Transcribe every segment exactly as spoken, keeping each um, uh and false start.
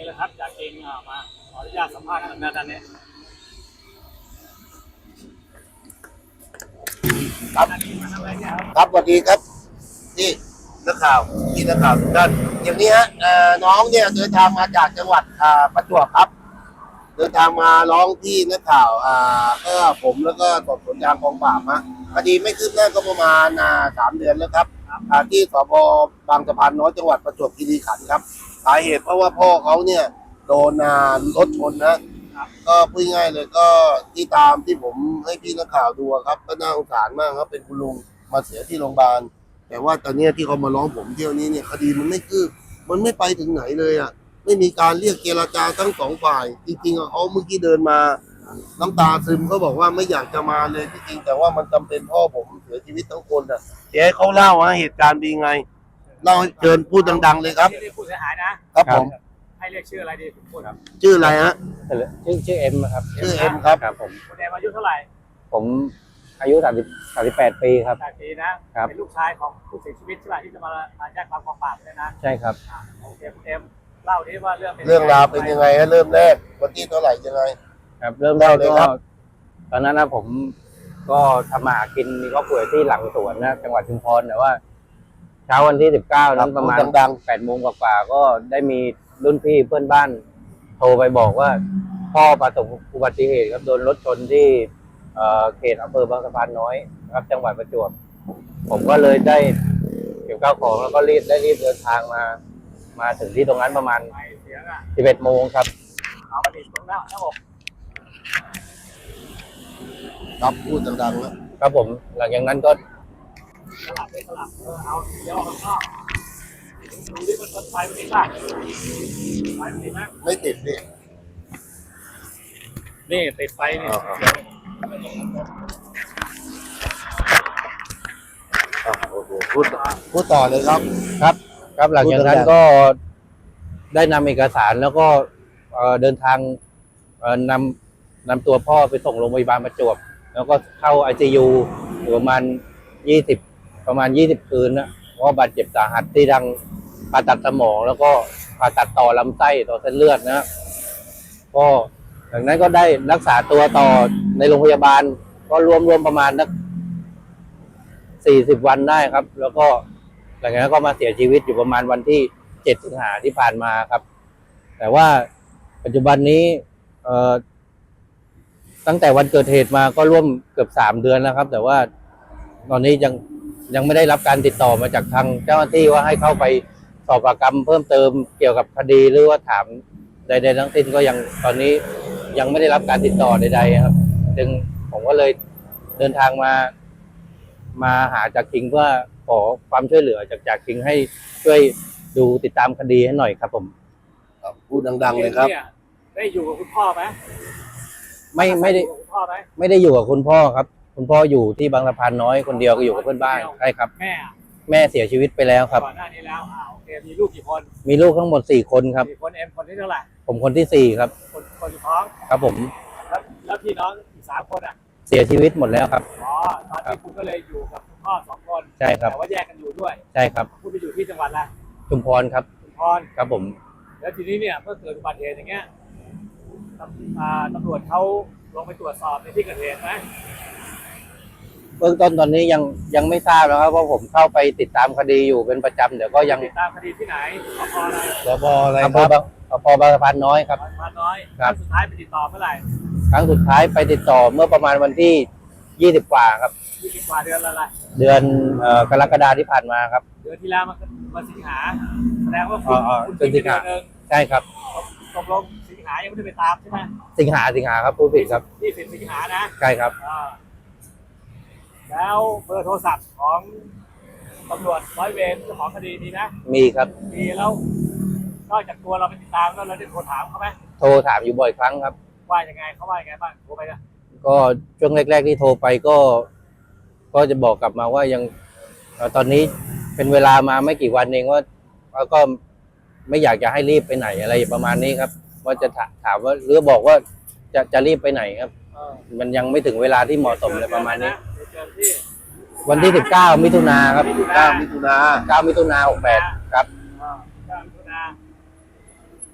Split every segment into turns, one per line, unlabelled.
เลยครับจากเองมาขออนุญาตสัมภาษณ์กันนะด้านนี้
ครับครับสวัสดีครับนี่นักข่าวที่นักข่าวทุกท่านอย่างนี้ฮะน้องเนี่ยเดินทางมาจากจังหวัดประจวบครับเดินทางมาร้องที่นักข่าวอ่าก็ผมแล้วก็สอบสวนยางกองปราบฮะคดีไม่คืบหน้าก็ประมาณสามเดือนแล้วครับที่สพบางสะพานน้อยจังหวัดประจวบคีรีขันธ์ครับสาเหตุเพราะว่าพ่อเขาเนี่ยโดนรถชนนะก็พูดง่ายเลยก็ที่ตามที่ผมให้พี่นักข่าวดูครับก็น่าสงสารมากครับเป็นคุณลุงมาเสียที่โรงพยาบาลแต่ว่าตอนนี้ที่เขามาร้องผมเที่ยวนี้เนี่ยคดีมันไม่คืบมันไม่ไปถึงไหนเลยอ่ะไม่มีการเรียกเจรจาทั้งสองฝ่ายจริงๆเขาเมื่อกี้เดินมาน้ำตาซึมเขาบอกว่าไม่อยากจะมาเลยจริงๆแต่ว่ามันจำเป็นพ่อผมเสียชีวิตทั้งคนอ่ะเดี๋ยวให้เขาเล่าว่าเหตุการณ์เป็นไงเล่าเชิญพูดดังๆเลยครับ
นี่ผู้เสียหายนะครับ
ผม
ให้เรียกชื่ออะไรดีผมพูดครับ
ชื่ออะไรฮะ
ชื่อชื่อเอ็มครับ
ชื่อเอ็มครับ
ครับผม
คุณเอ็มอายุเท่าไหร่
ผมอายุสามสิบสามสิบแปดปีครับ
แปดปีนะครับเป็นลูกชายของผู้เสียชีวิตใช่ไหมที่จะมามาแจ้งความกองปราบเลยนะ
ใช่ครับ
โอเคคุณเอ็มเล่าดิว่าเรื่อง
เรื่องราวเป็นยังไงฮะเริ่มแรกวันที่เท่าไหร่ยังไง
ครับเริ่มแรกก็ตอนนั้นนะผมก็ทำมาหากินมีครอบครัวที่หลังสวนนะจังหวัดชุมพรแต่ว่าเช้าวันที่สิบเก้านั้นประมาณดังแปดโมงกว่าๆก็ได้มีรุ่นพี่เพื่อนบ้านโทรไปบอกว่าพ่อประสบอุบัติเหตุครับโดนรถชนที่เขตอำเภอบางสะพานน้อยครับจังหวัดประจวบผมก็เลยได้เก็บข้าวของแล้วก็รีบได้รีบเดินทางมามาถึงที่ตรงนั้นประมาณสิบเอ็ดโมงครับ
เอามาติดตรงหน้าหน้าอก
ครับพูดดังๆนะครับ
ผมหลังจากนั้นก็
สลับไปสลับเอาเดี๋ยวข้างนอกดูดิมันไฟมันติดป่ะไฟมันติดไหม
ไม่ติดดิ
นี่ติดไฟนี่
โอ้โหพูดพูดต่อเลยครับ
ครับครับหลังจากนั้นก็ได้นำเอกสารแล้วก็เดินทางนำนำตัวพ่อไปส่งโรงพยาบาลประจวบแล้วก็เข้า ไอ ซี ยู อยู่ประมาณยี่สิบประมาณยี่สิบคืนนะเพราะบาดเจ็บสาหัสที่ดังผ่าตัดสมองแล้วก็ผ่าตัดต่อลำไส้ต่อเส้นเลือดนะก็หลังนั้นก็ได้รักษาตัวต่อในโรงพยาบาลก็รวมรวมประมาณนักสี่สิบวันได้ครับแล้วก็หลังจากนั้นก็มาเสียชีวิตอยู่ประมาณวันที่เจ็ดสิงหาที่ผ่านมาครับแต่ว่าปัจจุบันนี้เอ่อตั้งแต่วันเกิดเหตุมาก็ร่วมเกือบสามเดือนแล้วครับแต่ว่าตอนนี้ยังยังไม่ได้รับการติดต่อมาจากทางเจ้าหน้าที่ว่าให้เข้าไปสอบปากคำเพิ่มเติมเกี่ยวกับคดีหรือว่าถามใดๆทั้งสิ้นก็ยังตอนนี้ยังไม่ได้รับการติดต่อใดๆครับจึงผมก็เลยเดินทางมามาหาจากคิงเพื่อขอความช่วยเหลือจากจากคิงให้ช่วยดูติดตามคดีให้หน่อยครับผม
พูดดังๆเลยครับ
ได้อยู่กับคุณพ่อไหม
ไม่ไม่ได้ไม่ได้อยู่กับคุณพ่อครับคุณพ่ออยู่ที่บางสะพานน้อยคนเดียวก็อยู่กับเพื่อนบ้านใช่ครับ
แม่
แม่เสียชีวิตไปแล้วครับ
ก่อนหน้านี้แล้วอ่าโอเคมีลูกกี่คน
มีลูกทั้งหมดสี่คนครับ
สี่คนเอ็มคนที่เท่าไหร่
ผมคนที่สี่ครับ
คนคนท้อง
ครับผม
แล้วแล้วพี่น้องอีกสามคนอ่ะ
เสียชีวิตหมดแล้วครับ
อ๋อตอนนี้คุณก็เลยอยู่กับคุณพ่อสองคน
ใช่ครับ
แต่ว่าแยกกันอยู่ด้วย
ใช่ครับ
คุณไปอยู่ที่จังหวัดอะไร
ชุมพรครับ
ชุมพร
ครับผม
แล้วทีนี้เนี่ยเมื่อเกิดอุบัติเหตุอย่างเงี้ยตำรวจเขาลงไปตรวจสอบในที่เกิดเหตุไหม
เบื้องต้นตอนนี้ยังยังไม่ทราบแล้วครับเพราะผมเข้าไปติดตามคดีอยู่เป็นประจำเดี๋ยวก็ยัง
ติดตามคดีที่ไหนสพอะไร
สพอะไร
ครับสพบางสะพานน้อยครับ
บางสะพานน้อยครั้งสุดท้ายไปติดต่อเมื่อไหร่
ครั้งสุดท้ายไปติดต่อเมื่อประมาณวันที่ยี่สิบกว่าครับ
ยี่สิบกว่าเดือนอะไร
เดือนกรกฎาคมที่ผ่านมาครับ
เดือนที่แล้วมันมาสิงหาแสดงว่า
คุณ
คุณสิงหา
ใช่ครับ
ตกลงสิงหายังไม่ได้ไปตามใช่ไหม
สิงหาสิงหาครับผู้ผิดครับ
ยี่สิบสิงหานะ
ใช่ครับ
แล้วเบอร์โทรศัพท์ของตำรวจร้อยเวรเจ้าของคดีมีนะ
มีครับ
มีแล้วนอกจากตัวเราไปติดตามแล้วเราได้โทรถามเขาไหม
โทรถามอยู่บ่อยครั้งครับ
ว่ายังไงเขาว่ายังไงบ้างโทรไปนะ
ก็ช่วงแรกๆที่โทรไปก็ก็จะบอกกลับมาว่ายังตอนนี้เป็นเวลามาไม่กี่วันเองว่าก็ไม่อยากจะให้รีบไปไหนอะไรประมาณนี้ครับว่าจะถามว่าหรือบอกว่าจะจะรีบไปไหนครับมันยังไม่ถึงเวลาที่เหมาะสมเลยประมาณนี้วันที่สิบเก้ามิถุนาครับ
เก้ามิถุนา
เก้ามิถุนาหกแปดครับ
เก้ามิถุนากรก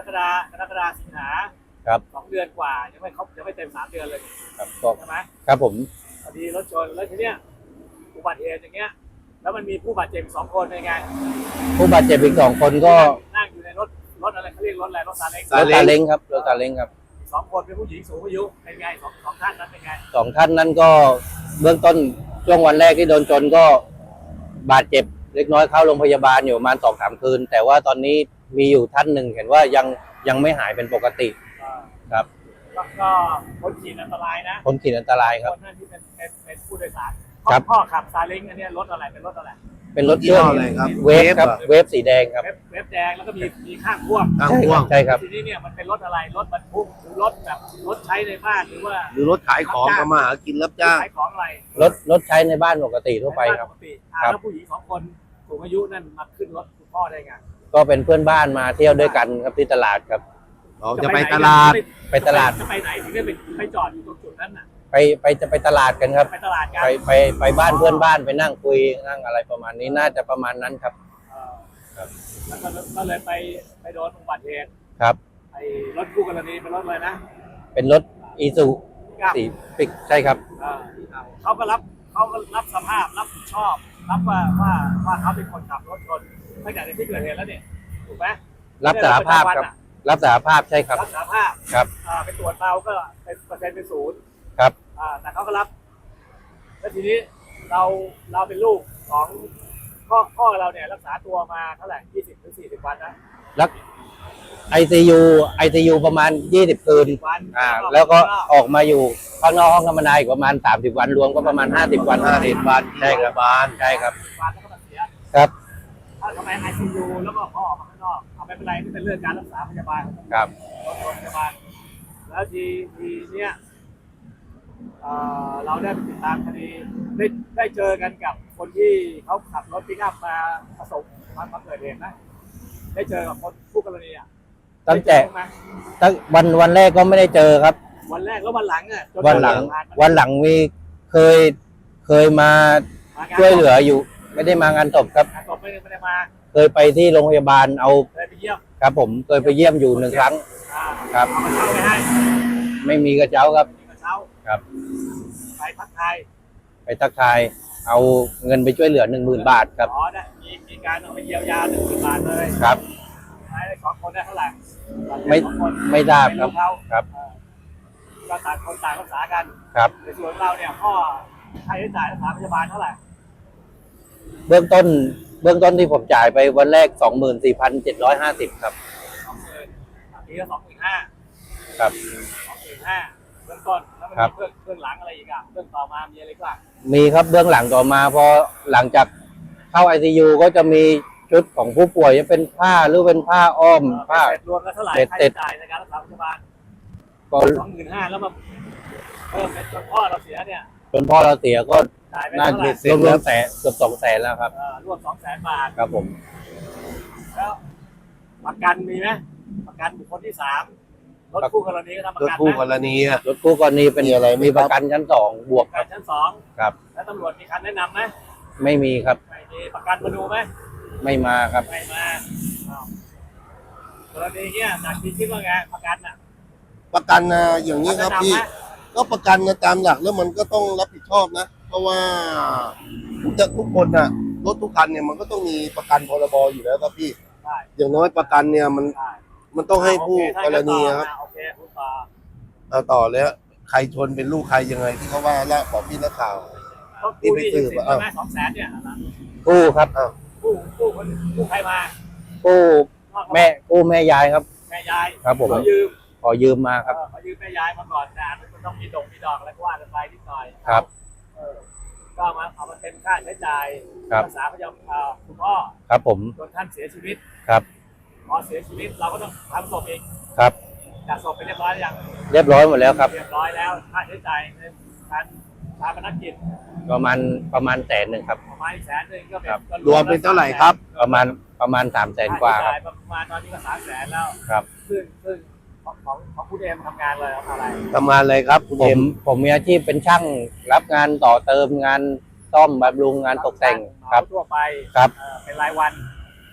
ฎากรกฎาสิงหา
ครับ
สองเดือนกว่ายังไม่ครบยังไม่เต็มสามเดือนเลย
ครับก็
ใช่ไหม
ครับผม
พอดีรถชนแล้วทีเนี้ยอุบัติเหตุอย่างเงี้ยแล้วมันมีผู้บาดเจ็บสองคนเป็นไง
ผู้บาดเจ็บอีกสองคนก็
นั่งอยู่ในรถรถอะไรเขาเรียกรถอะไรรถซาเล้ง
รถซาเล้งครับรถซาเล้งครับ
สองคนเป็นผู้หญิงสูงอายุเป็นไงสองสองท่านนั้นเป็นไง
สองท่านนั้นก็เบื้องต้นช่วงวันแรกที่โดนชนก็บาดเจ็บเล็กน้อยเข้าโรงพยาบาลอยู่ประมาณสองสามคืน แต่ว่าตอนนี้มีอยู่ท่านหนึ่งเห็นว่ายังยังไม่หายเป็นปกติ
อ่า
ครับ
แล้วก็คนขี่อันตรายนะ
คนขี่อันตรายครับ
คนนั้นที่เป็นเป็นเป็นผู้โดยสาร
ครับ
พ่อขับซาเล้งอันเนี้ยรถอะไรเป็นรถอะไร
เป็นรถเครื่อง
ยี่ห้ออะไรครับ
เวฟครับ
เวฟเหรอ
เวฟสีแดงครับ
เว็บเว็บแดงแล้วก็มีมีข้างพ่วง
ทางพ่วง
ใช่ครับ
ทีนี้เนี่ยมันเป็นรถอะไรรถบรรทุกหรือรถแบบรถใช้ในบ้านหรือว่า
หรือรถขายของทำมาหากินรับจ้าง
ขายของอะไร
รถรถใช้ในบ้านปกติทั่วไปครับ
ในานปกติอ่า
ครับ
แล้วผู้หญิงสองคนสูงอายุนั่นมาขึ้นรถคุณพ่อได้ไง
ก็เป็นเพื่อนบ้านมาเที่ยวด้วยกันครับที่ตลาดครับ
เราจะไปตลาด
ไปตลาด
จะไปไหนถึงได้ไปไปจอดอยู่ตรงจุดนั้นน่ะ
ไปไปจะไปตลาดกันครับ
ไปตลาดกัน
ไปไปไปบ้านเพื่อนบ้านไปนั่งคุยนั่งอะไรประมาณนี้น่าจะประมาณนั้นครับ
เอ่อ
ครับ
แล้วก็ก็เลยไปไปโดนอุบัติเหตุ
ครับ
ไอ้รถคู่กรณีเป็นรถเลยนะ
เป็นรถอีซูสีปิกใช่ครับ
เอ่อเขาก็รับเขาก็รับสภาพรับผิดชอบรับว่าว่าว่าเขาเป็นคนขับรถชนตั้งแต่ในที่เกิดเหตุแล้วเนี่ยถูกไหม
รับสารภาพครับ รับสารภาพใช่ครับ
รับสารภาพ
ครับ
อ่าไปตรวจเมาก็เป็นเปอร์เซ็นต์เป็นศูนย์
ครับ
อ่าแต่เขาก็รับ แล้วทีนี้เราเราเป็นลูกของพ่อพ่อเราเนี่ยรักษาตัวมาเท่าไหร่ยี่สิบถึงสี่สิบวันนะ
แล้วไอซียูไอซียูประมาณยี่สิบคืน
วัน
อ่า แล้วก็ออกมาอยู่ข้างนอกห้องธรรมดาอีกประมาณสามสิบวันรวมก็ประมาณห้าสิบวัน
ห้าสิบวัน
ใช่ครับ
บ้าน
ใช่ครับ
วันแล้วก็มาเสีย
ครับ
ถ้าทำไมไอซียูแล้วก็พ่อออกมาข้างนอกเอาไม่เป็นไรนี่เป็นเรื่องการรักษาพยาบาล
ครับ
โรงพยาบาลแล้วทีทีเนี้ยเอ่อเราได้ไปติดตามคดีได้ได้เจอกันกับคนที่เขาขับรถปิกอัพมาประสบมามาเกิดเหตุนะได้เจอกับคนผู้กรณีอ่ะ
ตั้งแต่
ได้เจอไหม
ตั้งวันวันแรกก็ไม่ได้เจอครับ
วันแรกแล้ววันหลังอ่ะจ
วันหลัง
ผ่ามา
วันหลังมีเคยเคยมา
มา
ช่วยเหลืออยู่ ไม่ได้มางานศพครับ
งานศพไม่ได้ไม่ได้มา
เคยไปที่โรงพยาบาลเอา
เลยไปเยี่ยม
ครับผมเคยไปเยี่ยมอยู่หนึ่งครั้ง
อ่า
ครับ
เอามาเช่าไปให้
ไม่มีกระเช้าครับ
มีกระเช้า
ครับ
ไปพักไทย
ไปทักทาย เอาเงินไปช่วยเหลือหนึ่งหมื่นบาทครับ
อ๋อได้มีมีการเอาไปเยียวยาหนึ่งหมื่นบาทเลย
ครับ
ใช้สองคนได้เท่าไหร่
ไม่
สองคน
ไม่ทราบครับ
ไม่เขา
ครับ
เออก็ต่างคนต่างรักษากัน
ครับ
ในส่วนเราเนี่ยพ่อค่าใช้จ่ายรักษาพยาบาลเท่าไหร่
เบื้องต้น เบื้องต้นที่ผมจ่ายไปวันแรกสองหมื่นสี่พันเจ็ดร้อยห้าสิบครับ
สองหมื่นทีละสองหมื่นห้า
ครับ
สองหมื่นห้าเบื้องต้นแล้วมัน
ครั
มี
บ
เบื้องเบื้องหลังอะไรอีกอ่ะเบื้องต่อมามีอะไรอีกบ้าง
มีครับเบื้องหลังต่อมาพอหลังจากเข้าไอซียูก็จะมีชุดของผู้ป่วยจะเป็นผ้าหรือเป็นผ้าอ้อม
เอ่อ
ผ้า
เสร็จรวมแล้วเท่าไหร่
เสร็จ
ค่า
เสร็
ใช้
จ
จ่ายในการรักษาพยาบาล
ก็
สองหมื่นห้าแล้วมาเพิ่มเป็นจนพ่อเราเสียเนี่ย
จนพ่อเราเสียก็
จ่ายไป
น่า
เท่าไหร่
รวมรวมแสนเกือบสองแสนแล้วครับ
เอ่อรวมสองแสนบาท
ครับผม
แล้วประกันมีไหมประกันบุคคลที่สามรถคู่กรณีก็ทำประ
รถ
กัน
คู่ก
นะ
รณีอะ
รถคู่กรณีเป็น
มีอะไรไหม
มี
ครับ
ประกันชั้นสองบวก
ป
ค
ระ
รั
กับ นชั้นสอง
ครับ
แล้วตำรวจมีคันแนะนำไหม
ไม่มีครับ
ไม่มีประกันมาดูไหม
ไม่มาครับ
ไม่มาอ้าวกรณีเนี้ยจากที่คิดว่าไงประกันน่ะ
ประกันนะอย่างนี้ครับพี่
แนะนำไหม
ก็ประกันนะตามหลักแล้วมันก็ต้องรับผิดชอบนะ เพราะว่าจะทุกคนน่ะรถทุกคันเนี่ยมันก็ต้องมีประกันพรบอยู่แล้วครับพี่
ได้
อย่างน้อยประกันเนี่ยมัน
ได้
มันต้องให้ผู้
โอเค
กรณีครับ
โอเคคุณต่อ
เอาต่อเลยฮะใครชนเป็นลูกใครยังไงที่เขาว่าแล้วบอกพี่นักข่าว
ต้อง
นี่
กู้
ไป
หนี้
สื
ยืม
บ
สิน
อ่ะ
ใช่ไหมสองแสนเนี่ยนะ
กู้ครับ
อ้าว
กู้กู้คนกู้ใครมา
กู้แม่กู้แม่ยายครับ
แม่ยาย
ครับผม
ขอยืม
ขอยืมมาครับ
เออขอยืมแม่ยายมาก่อนนะมันต้องมีดอกมีดอกอะไรก็ว่ากันไปนิดหน่อย
ครับ
เออก็เอามาเอามาเป็นค่าใช้จ่าย
ครับ
รักษาพยาบาลเอ่อคุณพ่อ
ครับผม
จนท่านเสียชีวิต
ครับ
พอเสียชีวิตเราก็ต้องทำศพเอง
ครับ
จัดศพไปเรียบร้อยหรือยัง
เรียบร้อยหมดแล้วครับ
เรียบร้อยแล้วค่าใช้จ่ายในการชาปนกิจ
ประมาณประมาณแสนหนึ่งครับ
ประมาณอีกแสนหนึ่งก็เป็น
ครับ
ก็
รวมเป็นเท่าไหร่ครับ
ประมาณประมาณสามแสนกว่า
ค่
ครับ
ใช้จ่ายประมาณตอนนี้ก็สามแสนแล้ว
ครับ
ซึ่งซึ่งของของของคุณเอมทำงานเลยอะไร
ทำงานอะไรครับคุณ
ผ
เอ็
ม
ม
ผมมีอาชีพเป็นช่างรับงานต่อเติมงานซ่อมบำรุงงานตกแต่งครับ
เหมาทั่วไป
ครับ
เอ่อเป็นรายวัน เป็น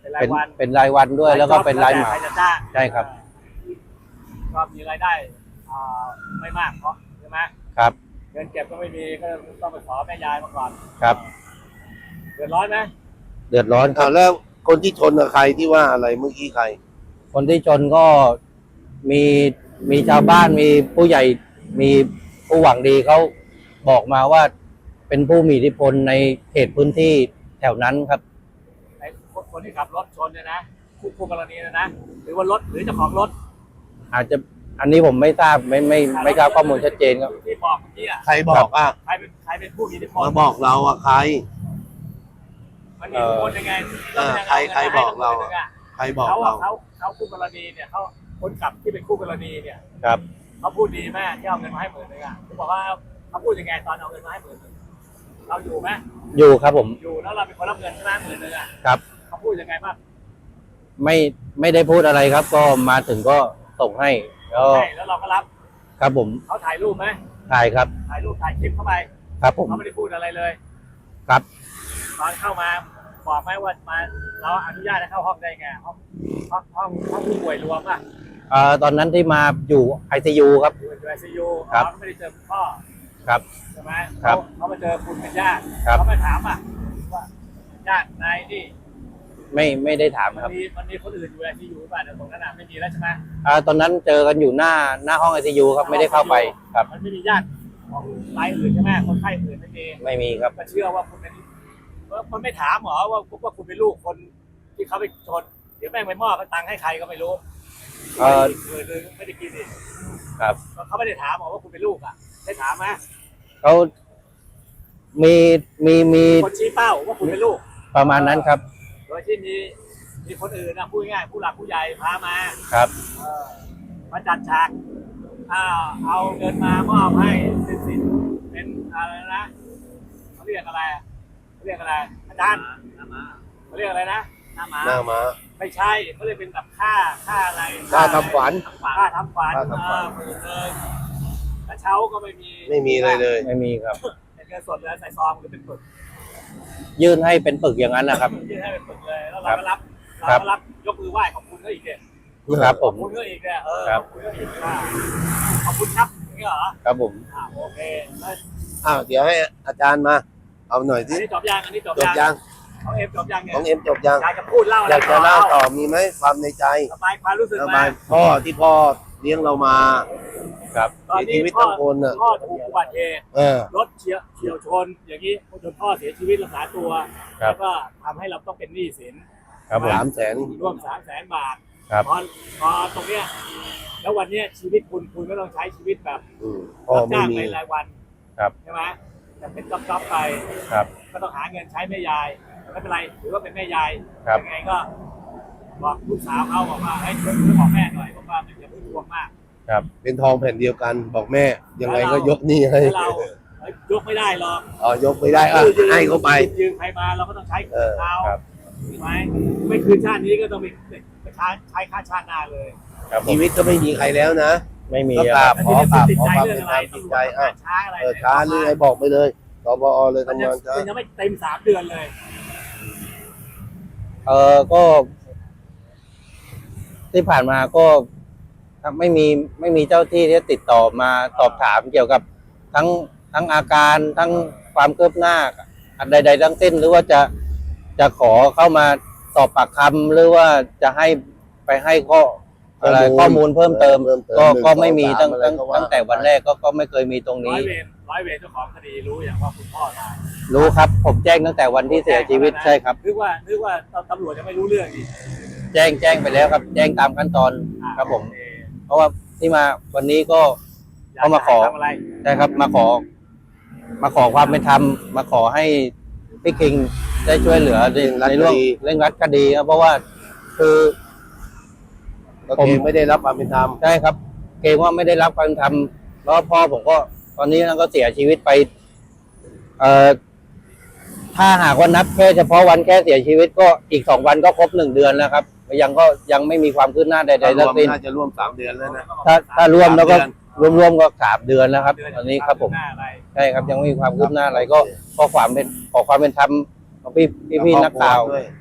เป็นราย
เป็น
วัน
เป็นรายวันด้วย แล้วก็เป็นรายเหมา
ใครจะจ้าง
ใช่ครับ
ก็มีรายได้อ่าไม่มากเพราะใช่ไหม
ครับ
เงินเก็บก็ไม่มีก็ต้องไปขอแม่ยายมาก่อน
ครับ
เดือดร้อนไหม
เดือดร้อนครั
อ่า
บ
แล้วคนที่ชนกับใครที่ว่าอะไรเมื่อกี้ใคร
คนที่ชนก็มีมีชาวบ้านมีผู้ใหญ่มีผู้หวังดีเขาบอกมาว่าเป็นผู้มีอิทธิพลในเขตพื้นที่แถวนั้นครับ
ไอ้คนที่ขับรถชนเนี่ยนะคู่คู่กรณีเนยนะหรือว่ารถหรือเจ้าของรถ
อาจจะอันนี้ผมไม่ทราบไม่ไม่ไม่ทราบข้อมูลชัดเจนครับ
ที่บอกเมื่อกี้อ่ะ
ใครบอกอ่ะ
ใครเป็นใครเป็นผู้มีอิทธิพล
มาบอกเราอ่ะใคร
มันมีอิทธิพลยังไง
เออใครใครบอกเราอะ ใครบอก
เขา
เรา
เขาเขาคู่กรณีเนี่ยเขาคนขับที่เป็นคู่กรณีเนี่ย
ครับ
เขาพูดดีแม่ที่เอาเงินมาให้หมื่นนึงอ่ะเขาบอกว่าเขาพูดยังไงตอนเอาเงินมาให้หมื่นนึงเราอยู่ไหม
อยู่ครับผม
อยู่แล้วเราเป็นคนรับเงินใช่ไหมหมื่นนึงอ่ะ
ครับ
เขาพูดยังไงบ้าง
ไม่ไม่ได้พูดอะไรครับ ก็มาถึงก็ส่งให้แล้ว
ใช่แล้วเราก็รับ
ครับผม
เขาถ่ายรูปไหม
ถ่ายครับ
ถ่ายรูปถ่ายคลิปเข้าไป
ครับผม
เขาไม่ได้พูดอะไรเลย
ครับ
ตอนเข้ามาบอกไหมว่ามาเราอนุญาตให้เข้าห้องได้ไงห้องห้องห้องห้องผู้ป่วยรวมอ่ะ
เอ่อตอนนั้นที่มาอยู่ไอซียูครับ
อยู่อยู่ไอซียู
ครับ
เขาไม่ได้เจอคุณพ่อ
ครับ
ใช่ไหม
ครับ
เขาเขามาเจอคุณเป็นญาติ
ครับ
เขามาถามอ่ะว่าญาตินายนี่
ไม่ไม่ได้ถาม
มัน
ครับ
มีมันมีคนอื่นอยู่ไอซียูป่ะเดี๋ยวตรงนั้นอ่ะไม่มีแล้วใช่ไหม
อ่าตอนนั้นเจอกันอยู่หน้าหน้าห้องไอซียูครับไม่ได้เข้าไปครับ
มันไม่มีญาติของรายอื่นใช่ไหมคนไข้อื่นไม่มี
ไม่มีครับ
ก็เชื่อว่าคุณเป็นเออมันไม่ถามหรอว่าว่าคุณเป็นลูกคนที่เขาไปชนเดี๋ยวแม่งไปมอบตังค์ให้ใครก็ไม่รู้
เอ่อ
เออไม่ได้กินดิ
ครับ
เขาไม่ได้ถามหรอว่าคุณเป็นลูกอ่ะได้ถามไหม
เขามีมีมี
คนชี้เป้าว่าคุณเป็นลูก
ประมาณนั้นครับ
โดยที่มีมีคนอื่นนะพูดง่ายๆผู้หลักผู้ใหญ่พามา
ครับ
เออมาจัดฉากอ่าเอาเงินมามอบให้สินสินเป็นอะไรนะเขาเรียกอะไรเขาเรียกอะไรอาจารย์เขาเรียกอะไรนะหน้าหมา
หน้ามา
ไม่ใช่เขาเรียกเป็นแบบค่าค่าอะไร
ค่าทำขวัญ
ค่าทำขวัญ
ค่าทำขวัญ
เออหมื่นเลยกระเช้าก็ไม่มี
ไม่มีอะไรเลย
ไม่มีครับ
เป็นเงินสดเลยใส่ซองหรือเป็นปึก
ยื่นให้เป็นปึกอย่างนั้นนะครับ
ยื่นให้เป็นปึกเลยแล้วเราก็รับเรา
ครับ
ก็รับยกมือไหว้ขอบคุณเขาอีกเนี่ย
ครับผ
ขอบ
ม
คุณเขาอีกเนี่ยเออ
ครั
ข
บ
อบคุณเขาอีกว่าขอบคุณครับอย่างนี้เหรอ
ครับผม
อ่าโอเคแล้ว
อ้าวเดี๋ยวให้อาจารย์มา เอาหน่อย
อั
สิ
นนี้จบยังอันนี้จบ
จบยัง
ของเอ็มจบยังเนี่ย
ของเอ็มจบยัง
อยากจะพูดเล่าอะ
อ
ไร
ยากจะเล่าต่อมีไหมความในใจ
สบายความรู้สึก
ระ
มา
บายพ่อที่พ่อเลี้ยงเรามา
ครับ
ตอน
เสีย
นี้
ชีวิต
พ่อ
ทั้งคนน่ะ
พ่อถูกอุบัติเหตุ
เออ
รถเฉียวเฉียวชน อย่างนี้จนพ่อเสียชีวิตรักษาตัว
ครับ
แล้วก็ทำให้เราต้องเป็นหนี้สิน
ครับผม
สามแสน
ร่วมสามแสนบาท
ครับ
พอพอตรงเนี้ยแล้ววันเนี้ยชีวิตคุณคุณก็ต้องใช้ชีวิตแบบ
อืมพ่อ
รับ
ไม่
จ้าง
มี
ในรายวัน
ครับ
ใช่ไหมจะเป็นจ๊อบๆไป
ครับ
ก็ต้องหาเงินใช้แม่ยายไม่เป็นไรถือว่าเป็นแม่ยาย
ครับ
ยังไงก็บอกลูกสาวเขาบอกว่าให้ช่วยช่วยบอกแม่หน่อยบอกว่ามันอย่าเพิ่งทวงมาก
ครับ
เป็นทองแผ่นเดียวกัน บอกแม่ ยังไงก็ยกหนี่ให้
แล้วเราเอ้ยยกไม่ได้หรอก
อ๋อยกไม่ได้อ่ะให้เขาไป
ยืมใครมาเราก็ต้องใช้
เออ
เขา
ครับ
ใช่ไหมไม่คืนชาตินี้ก็ต้องมีไปใช้ใช้ค่าชาติหน้าเลย
ครับผม
ชีวิตก็ไม่มีใครแล้วนะ
ไม่มี
ก็
ค
กรา
รั
บบ ขอกราบขอความเป็นธรรมจิตใจอ่ะ
ช้าอะไร
เออช้าหรือไงบอกไปเลยสปอเลย
มัน
ทำ
ยัง
งานช้า
มันยังไม่เต็มสามเดือนเลย
เออก็ที่ผ่านมาก็ไม่มีไม่มีเจ้าที่ที่ติดต่อมาสอบถามเกี่ยวกับทั้งทั้งอาการทั้งความคืบหน้าใดๆทั้งสิ้นหรือว่าจะจะขอเข้ามาสอบปากคำหรือว่าจะให้ไปให้ข้ออะไรข้อมูลเพิ่มเติม ก็ก็ไม่มีตั้งตั้งตั้งแต่วันแรกก็ก็ไม่เคยมีตรง
ร้
นี้
อยเวรร้อยเวรเจ้าของคดีรู้อย่างว่าคุณพ่อตาย
รู้ครับ ผมแจ้งตั้งแต่วันที่เสียชีวิตใช่ครับ
นึกว่านึกว่าตำรวจจะไม่รู้เรื่องอีก
แจ้งแจ้งไปแล้วครับ แจ้งตามขั้นตอน
อ่า
ครับผม
โอเค
เพราะว่าที่มาวันนี้ก็
ยก
เขามาขอ
จะให้ทำอะไร
ใช่ครับมาขอ มาขอความเป็นธรรมมาขอให้พี่คิงได้ช่วยเหลือในในเรื่องเรื่องรัดคดีครับเพราะว่าคือ
ก็เองไม่ได้รับความเป็นธรรม
ใช่ครับ เกรงว่าไม่ได้รับความเป็นธรรมแล้วพ่อผมก็ ตอนนี้ก็เสียชีวิตไป เอ่อถ้าหากว่านับแค่เฉพาะวันแค่เสียชีวิตก็อีกสองวันก็ครบหนึ่งเดือนแล้วครับยังก็ยังไม่มีความคืบหน้าใด
ถ้า
ๆ
ร
ทั้
ว
ง
ม
สิ้น
น่าจะร่วมสามเดือนแล้วนะ
ถ้าถ้ารวมแล้วก็
สามเดือน
รวมๆก็สามเดือนแล้วครับตอนนี้ครับผม
หน้าอะไร
ใช่ครับยังไม่มีความคืบหน้าอะไรก็ขอความเป็นขอความเป็นธรรมของพี่พี่พี่นักข่าว
ด้วย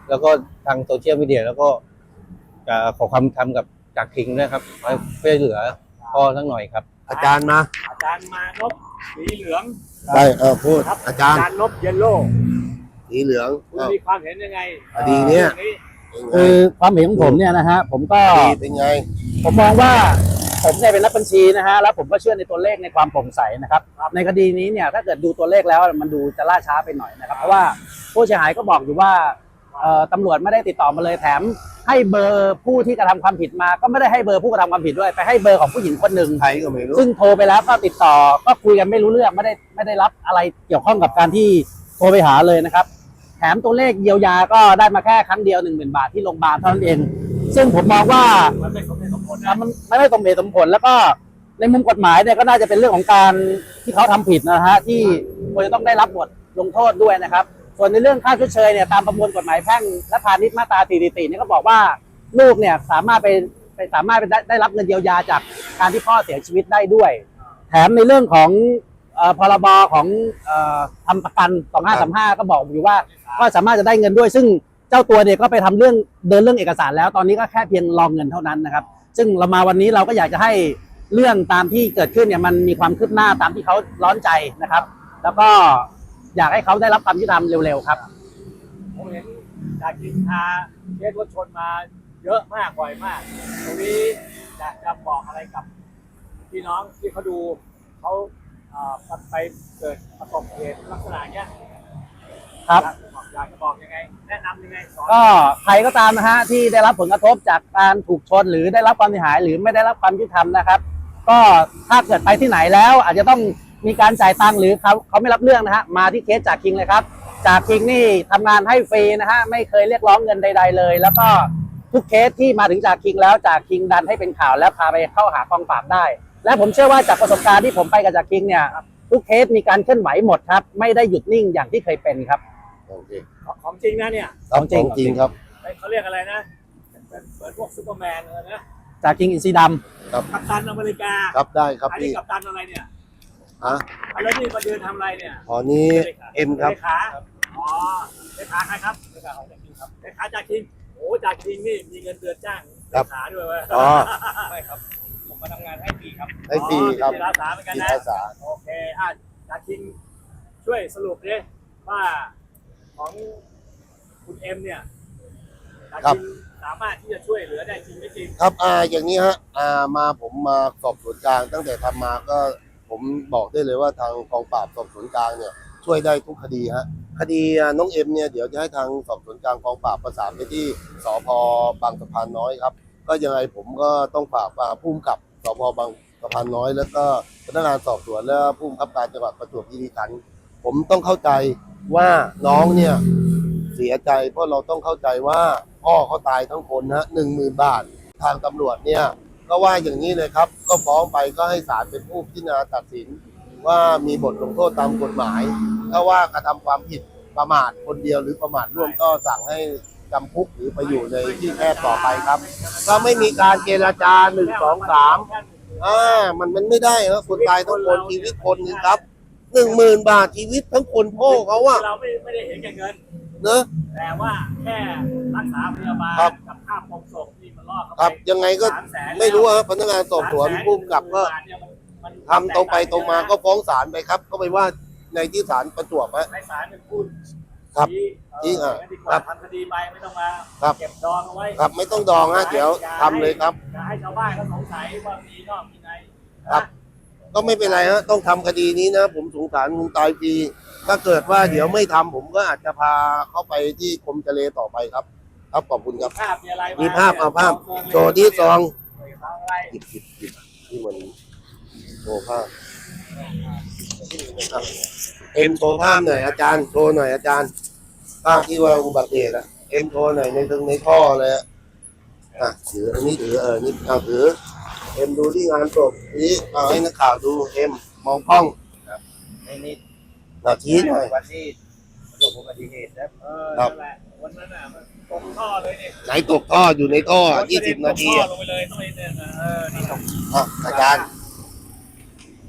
แล้วก็ทางโซเชียลมีเดียแล้วก็จะขอความทำกับจากคิงด้วยครับให้ช่วยเหลือพ่อสักหน่อยครับ
อาจารย์มา
อาจารย์มานพสีเหลือง
ได้เออพูด
ครับ
อาจารย์
นพเยลโล่
สีเหลือง
คุณ
เอ้า
มีความเห็นยังไง
คดีเนี้ย
รื่อง
เป็นไง
คือความเห็นของผมเนี่ยนะฮะผมก็
คดีเป็นไง
ผมมองว่าผมเนี่ยเป็นนักบัญชีนะฮะแล้วผมก็เชื่อในตัวเลขในความโปร่งใสนะครับในคดีนี้เนี่ยถ้าเกิดดูตัวเลขแล้วมันดูจะล่าช้าไปหน่อยนะครับเพราะว่าผู้เสียหายก็บอกอยู่ว่าเอ่อตำรวจไม่ได้ติดต่อมาเลยแถมให้เบอร์ผู้ที่กระทำความผิดมาก็ไม่ได้ให้เบอร์ผู้กระทำความผิดด้วยไปให้เบอร์ของผู้หญิงคนหนึ่ง
ใครก็ไม่รู้
ซึ่งโทรไปแล้วก็ติดต่อก็คุยกันไม่รู้เรื่องไม่ได้ไม่ได้รับอะไรเกี่ยวข้องกับการที่โทรไปหาเลยนะครับแถมตัวเลขเยียวยาก็ได้มาแค่ครั้งเดียวหนึ่งหมื่นบาทที่โรงพยาบาลเท่านั้นเอง ซึ่งผมมองว่า
มันไม่สมเหตุสมผล
อ่ะ
นะ
มันไม่ได้สมเหตุสมผลแล้วก็ในมุมกฎหมายเนี่ยก็น่าจะเป็นเรื่องของการที่เขาทำผิดนะฮะที่ควรจะต้องได้รับบทลงโทษด้วยนะครับ ส่วนในเรื่องค่าชดเชยเนี่ยตามประมวลกฎหมายแพ่งและพาณิชย์มาตราสี่สิบสี่เนี่ยก็บอกว่าลูกเนี่ยสามารถไปไปสามารถไปได้ได้รับเงินเยียวยาจากการที่พ่อเสียชีวิตได้ด้วย แถมในเรื่องของเอ่อพรบของเอ่อทำประกันสองห้าสามห้าก็บอกอยู่ว่าก็สามารถจะได้เงินด้วย ซึ่งเจ้าตัวเนี่ยก็ไปทำเรื่องเดินเรื่องเอกสารแล้วตอนนี้ก็แค่เพียงรองเงินเท่านั้นนะครับ ซึ่งเรามาวันนี้เราก็อยากจะให้เรื่องตามที่เกิดขึ้นเนี่ยมันมีความคืบหน้าตามที่เขาร้อนใจนะครับ แล้วก็อยากให้เขาได้รับความยุติธรรมเร็วๆครับ
ผมเห็นจากกินพาเคสรถชนมาเยอะมากบ่อยมาก ตรงนี้อยากจะบอกอะไรกับพี่น้องที่เขาดูเขาเอ่อไปเกิดประสบเหตุลักษณะเนี้ย
ครับ
อยากจะบอกยังไง แนะนำยังไงสอน
ก็ใครก็ตามนะฮะที่ได้รับผลกระทบจากการถูกชนหรือได้รับความเสียหายหรือไม่ได้รับความยุติธรรมนะครับ ก็ถ้าเกิดไปที่ไหนแล้ว อาจจะต้องมีการจ่ายตังค์หรือเขาเขาไม่รับเรื่องนะฮะมาที่เคสจากคิงเลยครับจากคิงนี่ทำงานให้ฟรีนะฮะไม่เคยเรียกร้องเงินใด ๆ เลย แล้วก็ทุกเคสที่มาถึงจากคิงแล้วจากคิงดันให้เป็นข่าวแล้วพาไปเข้าหากองปราบได้ และผมเชื่อว่าจากประสบการณ์ที่ผมไปกับจากคิงเนี่ยทุกเคสมีการเคลื่อนไหวหมดครับไม่ได้หยุดนิ่งอย่างที่เคยเป็นครับ
โอเค
ของจริงนะเนี่ย
ของจริง
ของจริงครับ
เขาเรียกอะไรนะเหมือนเหมือนพวกซูเปอร์แมนเลยนะ
จากคิงอินซีด
ครับ
กัปตันอเมริกา
ครับได้ครับ
อันนี้
พี่
กัปตันอะไรเนี่ย
ฮะ
แล้วนี่มาเดินทำอะไรเนี่ย
อ๋อนี้เอ็มครับ
เลขาอ๋อเลขาใครครับเลขาของจากคิงครับเลขาจากคิงโอ้จากคิงนี่มีเงินเดือนจ้างเลขาด้วยเว้ย
อ๋อ
ใช่ครับผมมาทำงานให้ฟรีครับ
ให้ฟรีครับ
อ๋อมีจิตอาสาเหมือนกัน
จิต
นะ
อาสา
โอเคอ่ะจากคิงช่วยสรุปดิว่าของคุณเอ็มเนี่ยจากคิงสามารถที่จะช่วยเหลือได้จริงไม่จริง
ครับอ่าอย่างนี้ฮะอ่ามาผมมาสอบสวนกลางตั้งแต่ทำมาก็ผมบอกได้เลยว่าทางกองปราบสอบสวนกลางเนี่ยช่วยได้ทุกคดีฮะคดีอ่าน้องเอ็มเนี่ยเดี๋ยวจะให้ทางสอบสวนกลางกองปราบประสานไปที่สพบางสะพานน้อยครับก็ยังไงผมก็ต้องฝากอ่าผู้กำกับสพบางสะพานน้อย แล้วก็พนักงานสอบสวนและผู้บังคับการจังหวัดประจวบคีรีขันธ์ผมต้องเข้าใจว่าน้องเนี่ยเสียใจเพราะเราต้องเข้าใจว่าพ่อเขาตายทั้งคนนะหนึ่งหมื่นบาท ทางตำรวจเนี่ยก็ว่าอย่างนี้เลยครับ ก็ฟ้องไปก็ให้ศาลเป็นผู้พิจารณาตัดสิน ว่ามีบทลงโทษตามกฎหมาย ถ้าว่ากระทำความผิดประมาทคนเดียวหรือประมาทร่วมก็สั่งให้จำคุกหรือไปอยู่ในที่แคบต่อไปครับ ก็ไม่มีการเจรจาหนึ่งสองสามอ่ามันมันไม่ได้ครับคนตายต้องคนชีวิตคนหนึงครับหนึ่งหมื่นบาทชีวิตทั้งคนพ่อเขาอะ
เราไม่ไม่ได้เห็นแก่เงิน
เนอะ
แต่ว่าแค่รักษาพยาบาล
ครับ
กับค่าปลงศพที่มันล่อเข้าไป
ครับยังไงก็
สามแสน
ไม่รู้ครับพนักงานสอบสวนผู้กำกับก็
สามแสนเนี่ยมันมัน
ทำตรงไปตรงมาก็ฟ้องศาลไปครับ ก็ไปว่าในที่ศาลประจวบฮะ
ให้ศาลเป็นผู้
ครับ
ชี้
ชี้
เออ
อ่ะ
งั้นดีก
ครั
ว่า
บ
ทำคดีไปไม่ต้องมา
ครับ
เก็บดองเอาไว้
ครับไม่ต้องดองฮะเดี๋ยวทำเลยครับ
อย่าให้ชาวบ้านเขาสงสัยว่ามีนอกมีใน
ครับ ก็ไม่เป็นไรฮะต้องทำคดีนี้นะ ผมสงสารคงตายฟรีถ้าเกิดว่าเดี๋ยวไม่ทำผมก็อาจจะพาเข้าไปที่กรมทะเลต่อไปครับ ครับขอบคุณครับ
ภาพมีอะไร
มีภาพเอาภาพโชว์ที่ซอง
ซองอะไร
หยิบหยิบหยิบที่มันโชว์ภาพอ่ะเอ็มโชว์ภาพหน่อยอาจารย์โชว์หน่อยอาจารย์ภาพที่ว่าอุบัติเหตุอะเอ็มโชว์หน่อยในถึงในท่อเลยอะอ่ะถืออันนี้ถือเออนี่เอาถือ เอ็มดูที่งานศพนี้เอาให้นักข่าวดูเอ็มมองกล้อง
นี่นี่
หน้าชี้หน่อย
วันที่ประสบอุบัติเหตุนะ
เออ
ครับ
นั่นแหละวันนั้นน่ะมันตกท่อเลยเนี่ย
ไหนตกท่ออยู่ในท่อยี่สิบนาที
ตกท่อ
อะ
ลงไปเลยต้องไปเนี่ยนะเออนี่ตก
อ่ะอาจารย์
เนี่ยตก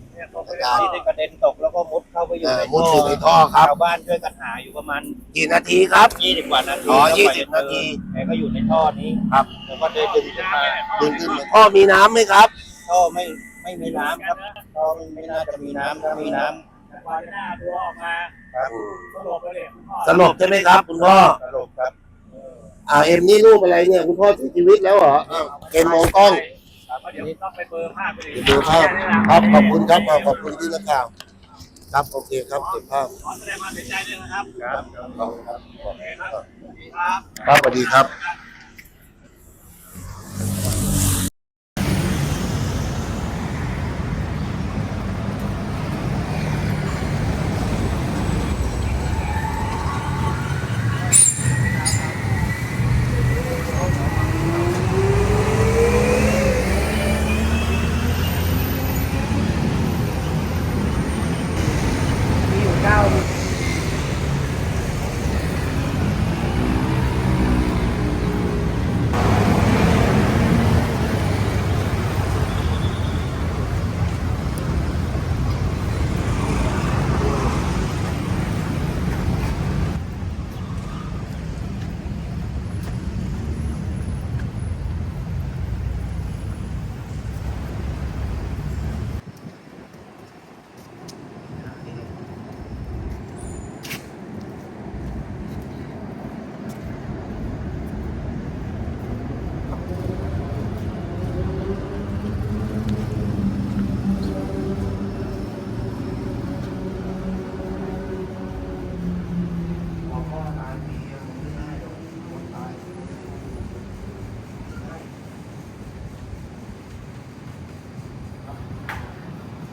อาจารย์
ที่ได้กระเด็นตกแล้วก็มุดเข้าไปอยู่
เอ่อ
ใน
มุดอยู่ในท่อครับ
ชาวบ้านช่วยกันหาอยู่ประมาณ
กี่นาทีครับ
ยี่สิบกว่านาที
อ๋อ
แล้ว
ยี่
กว่
สิบ
จะเจอ
นาที
แกก็อยู่ในท่อนี้
ครับ
แล้วก็เดินดึงขึ้นมา
ดึงขึ้นมาท่อมีน้ำไหมครับ
ท่อไม่ไม่มีน้ำครับท่อไม่ไม่น่าจะมีน้ำถ้ามีน้
แต่กว่าจะหน้าตัวออกมา
ำครับ
สลบเลยเนี่ยคุณพ่อ
สลบใช่ไหมครับ คุณพ่อ
สรุปครับ
อ่าเอ็มนี่รูปอะไรเนี่ย คุณพ่อเสียชีวิตแล้วเหรออ้าวเกมมองกล้อง
ครับเดี๋ยวต้องไปเบอร์ภาพไปเลย
ดูภาพครับขอบคุณครับอ่าขอบคุณที่นักข่าว ครับโอเคครับเก็บภาพ
ขอแสดงความเสียใจด้วยนะครับ
ครับ
ขอบคุณครับ
โอเคครับสวัสดีครับ
ครับสวัสดีครับ
ครับ